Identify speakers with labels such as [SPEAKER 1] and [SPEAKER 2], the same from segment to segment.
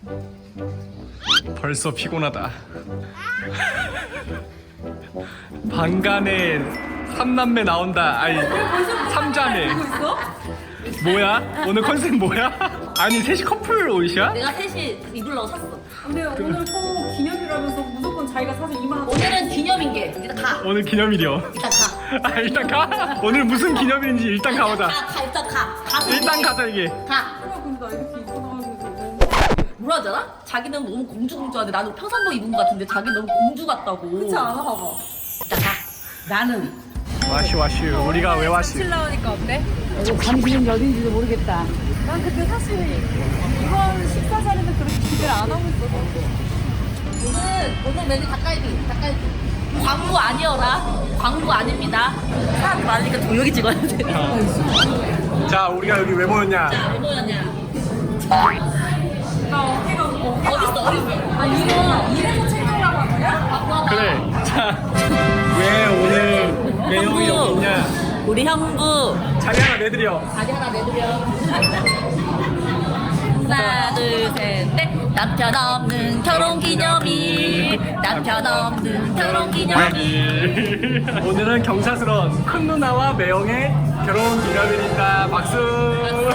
[SPEAKER 1] 벌써 피곤하다. 방간에 삼남매 나온다. 아니 삼자매. 뭐야? 오늘 컨셉 뭐야? 아니 셋이 커플 옷이야?
[SPEAKER 2] 내가 셋이 입으려고 샀어.
[SPEAKER 3] 근데 오늘 또 기념이라면서 무조건 자기가 사서 이만하고.
[SPEAKER 2] 오늘은 기념인 게 일단 가.
[SPEAKER 1] 오늘 기념일이요.
[SPEAKER 2] 일단 가.
[SPEAKER 1] 아 일단 가? 오늘 무슨 기념일인지 일단 가보자.
[SPEAKER 2] 가 일단 가. 가서
[SPEAKER 1] 일단 가자 이게.
[SPEAKER 2] 가.
[SPEAKER 3] 근데 나 이렇게 입고 나가면서 너무.
[SPEAKER 2] 뭐라 하잖아? 자기는 너무 공주공주한데 나는 평상복 입은 것 같은데 자기는 너무 공주 같다고.
[SPEAKER 3] 그렇지 않아 봐봐.
[SPEAKER 2] 일단 가. 나는
[SPEAKER 1] 와슈 우리가 왜 와슈?
[SPEAKER 3] 칠 나오니까 어때?
[SPEAKER 2] 당신은 어딘지도 모르겠다.
[SPEAKER 3] 난 근데 사실 이번 식사 자리는 그렇게 기대를 안 하고 있어서.
[SPEAKER 2] 오늘 메뉴 닭갈비. 광고 아니어라. 광고 아닙니다. 사람 많으니까 조용히 찍어야 돼.
[SPEAKER 1] 자 우리가 여기 왜 모였냐?
[SPEAKER 2] 왜 뭐였냐?
[SPEAKER 3] 나 어깨가
[SPEAKER 2] 어딨어?
[SPEAKER 3] 아 이래서 챙겨오라고 한 거야?
[SPEAKER 1] 그래. 자 왜 오늘 매형이 여기 있냐?
[SPEAKER 2] 우리 형부
[SPEAKER 1] 자리 하나 내드려.
[SPEAKER 2] 자리 하나 내드려. 하나 둘셋넷 남편 없는 결혼기념일. 남편 없는 결혼기념일.
[SPEAKER 1] 오늘은 경사스러운 큰 누나와 매형의 결혼 기념일입니다. 박수.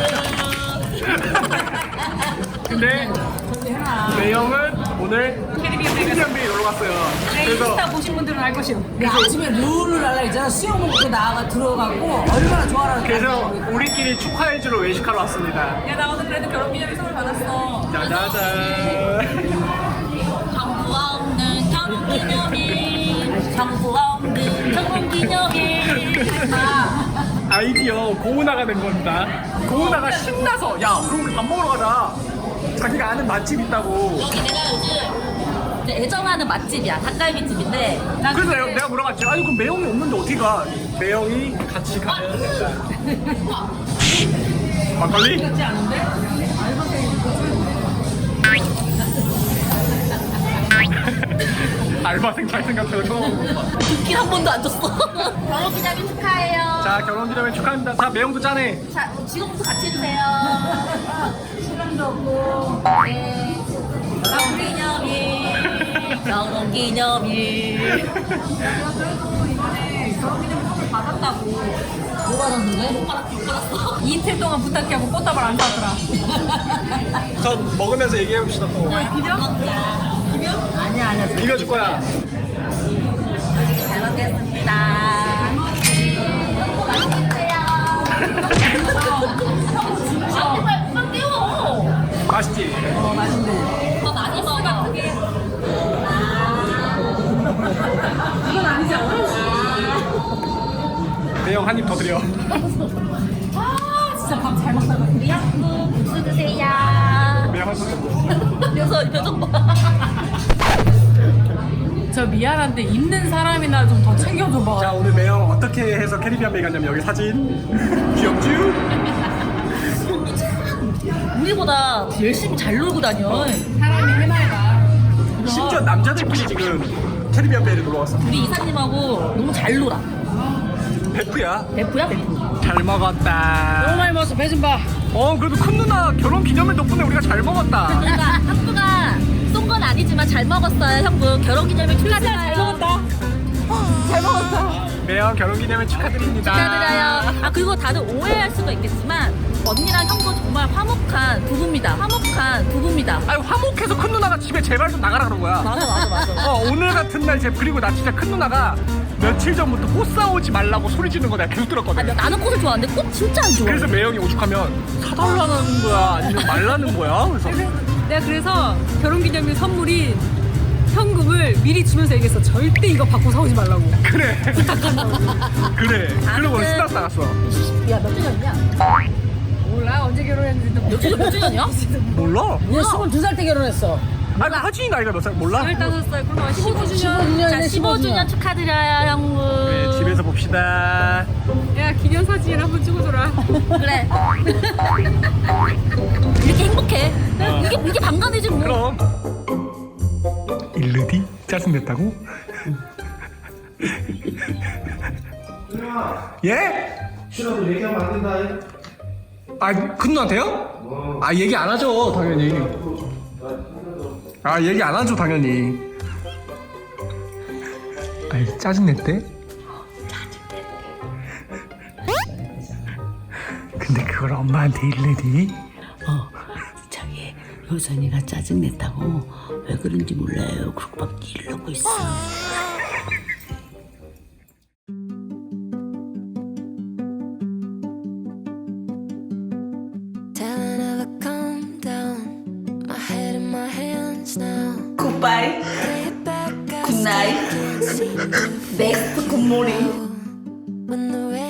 [SPEAKER 1] 근데 매형은 오늘 캐리비안베이 놀러 갔어요. 그래서
[SPEAKER 3] 인스타 보신 분들은 알 것이오.
[SPEAKER 4] 아침에 룰을 하려 했잖아. 수영 먹고 나가 들어가고 얼마나 좋아하는
[SPEAKER 1] 그래서 우리끼리 축하해주러 외식하러 왔습니다.
[SPEAKER 3] 야 나 오늘 그래도 결혼기념일 선물 받았어.
[SPEAKER 1] 짜자잔.
[SPEAKER 2] 정부 없는 결혼기념일. 정부 없는 결혼기념일.
[SPEAKER 1] 아이디어 고은아가 낸 겁니다. 고은아가 신나서 야 그럼 우리 밥 먹으러 가자. 자기가 아는 맛집 있다고.
[SPEAKER 2] 여기 내가 요즘 이제 애정하는 맛집이야. 닭갈비집인데.
[SPEAKER 1] 그래서 내가 물어봤지. 아니 그럼 매형이 없는데 어떻게 가? 매형이 같이 가야 된다. 막걸리?
[SPEAKER 3] 그렇지 않은데?
[SPEAKER 1] 알바생 잘 생각해서 처음.
[SPEAKER 2] 듣긴 한 번도 안 줬어. 결혼기념일 축하해요.
[SPEAKER 1] 자 결혼기념일 축하합니다. 자 매형도 짠해.
[SPEAKER 2] 자, 지금부터 같이 해주세요.
[SPEAKER 3] 시간도 없고.
[SPEAKER 2] 네. 결혼기념일. 결혼기념일.
[SPEAKER 3] 그래도 이번에 결혼기념일 선물 받았다고.
[SPEAKER 2] 뭐 받았는데? 못 받았어.
[SPEAKER 3] 이틀 동안 부탁해 하고 꽃다발 안 사더라.
[SPEAKER 1] 저 먹으면서 얘기해봅시다 또.
[SPEAKER 2] 아니야.
[SPEAKER 1] 비벼줄 거야.
[SPEAKER 2] 잘 먹겠습니다. 아, 제발 그만 깨워.
[SPEAKER 1] 맛있지?
[SPEAKER 2] 더 많이 먹어.
[SPEAKER 3] 이건 아니지 않아?
[SPEAKER 1] 매형 한 입 더 드려.
[SPEAKER 3] 아 진짜 밥 잘 먹다가.
[SPEAKER 2] 우리 형부 국수 드세요.
[SPEAKER 1] 매형 한 입.
[SPEAKER 2] 그래서 이 표정 봐.
[SPEAKER 3] 저 미안한데 입는 사람이나 좀 더 챙겨줘봐.
[SPEAKER 1] 자 오늘 매형 어떻게 해서 캐리비안베이 갔냐면 여기 사진 귀엽죠?
[SPEAKER 2] 우리보다 열심히 잘 놀고 다녀.
[SPEAKER 3] 사람이 해맑아.
[SPEAKER 1] 심지어 남자들끼리 지금 캐리비안베이를 놀러 왔어.
[SPEAKER 2] 우리 이사님하고 너무 잘 놀아.
[SPEAKER 1] 베프야.
[SPEAKER 2] 베프야 베프.
[SPEAKER 1] 잘 먹었다.
[SPEAKER 3] 너무 많이 먹었어. 배 좀 봐.
[SPEAKER 1] 그래도 큰 누나 결혼 기념일 덕분에 우리가 잘 먹었다.
[SPEAKER 2] 그러니까 형부가 쏜 건 아니지만 잘 먹었어요. 형부 결혼기념일 축하드려요.
[SPEAKER 3] 잘 먹었다. 잘 먹었다.
[SPEAKER 1] 매형 결혼 기념일 축하드립니다.
[SPEAKER 2] 축하드려요. 아 그리고 다들 오해할 수가 있겠지만 언니랑 형부 정말 화목한 부부입니다. 화목한 부부입니다.
[SPEAKER 1] 아니 화목해서 큰 누나가 집에 제발 좀 나가라 그런 거야.
[SPEAKER 2] 맞아.
[SPEAKER 1] 오늘 같은 날 그리고 나 진짜 큰 누나가 며칠 전부터 꽃 사오지 말라고 소리 지는 거 내가 계속 들었거든.
[SPEAKER 2] 나는 꽃을 좋아하는데 꽃 진짜 안 좋아.
[SPEAKER 1] 그래서 매형이 오죽하면 사달라는 거야 아니면 말라는 거야? 그래서
[SPEAKER 3] 내가 그래서 결혼기념일 선물인 현금을 미리 주면서 얘기했어. 절대 이거 받고 사오지 말라고.
[SPEAKER 1] 그래 그래 그러고 스타스 나갔어.
[SPEAKER 2] 야몇 주년이냐?
[SPEAKER 3] 몰라 언제 결혼했는지도
[SPEAKER 2] 몇 주년이야?
[SPEAKER 1] 몰라?
[SPEAKER 4] 얘 22살 때 결혼했어.
[SPEAKER 1] 아니 하진이 나이가 몇 살 몰라?
[SPEAKER 3] 15살 그럼 15주년.
[SPEAKER 2] 15주년 15주년 축하드려요 형부.
[SPEAKER 1] 네 집에서 봅시다.
[SPEAKER 3] 야 기념사진 한번 찍어줘라.
[SPEAKER 2] 그래. 이렇게 행복해. 이게 방간이지 뭐.
[SPEAKER 1] 그럼 일르디 짜증냈다고? 예?
[SPEAKER 5] 싫어도 얘기하면 안 된다.
[SPEAKER 1] 아, 큰 누나한테요? 아, 얘기 안 하죠, 당연히. 아 얘기 안 하죠 당연히. 아이 짜증냈대? 근데 그걸 엄마한테 일내니?
[SPEAKER 4] 저기 효선이가 짜증냈다고 왜 그런지 몰라요. 그러고 막 이러고 있어.
[SPEAKER 5] Telling her to calm down. My head in my hands now.
[SPEAKER 2] 굿바이.
[SPEAKER 5] Lay back, I
[SPEAKER 2] Good night.
[SPEAKER 5] still can't seem to
[SPEAKER 2] 넥스트 굿모닝.
[SPEAKER 5] when the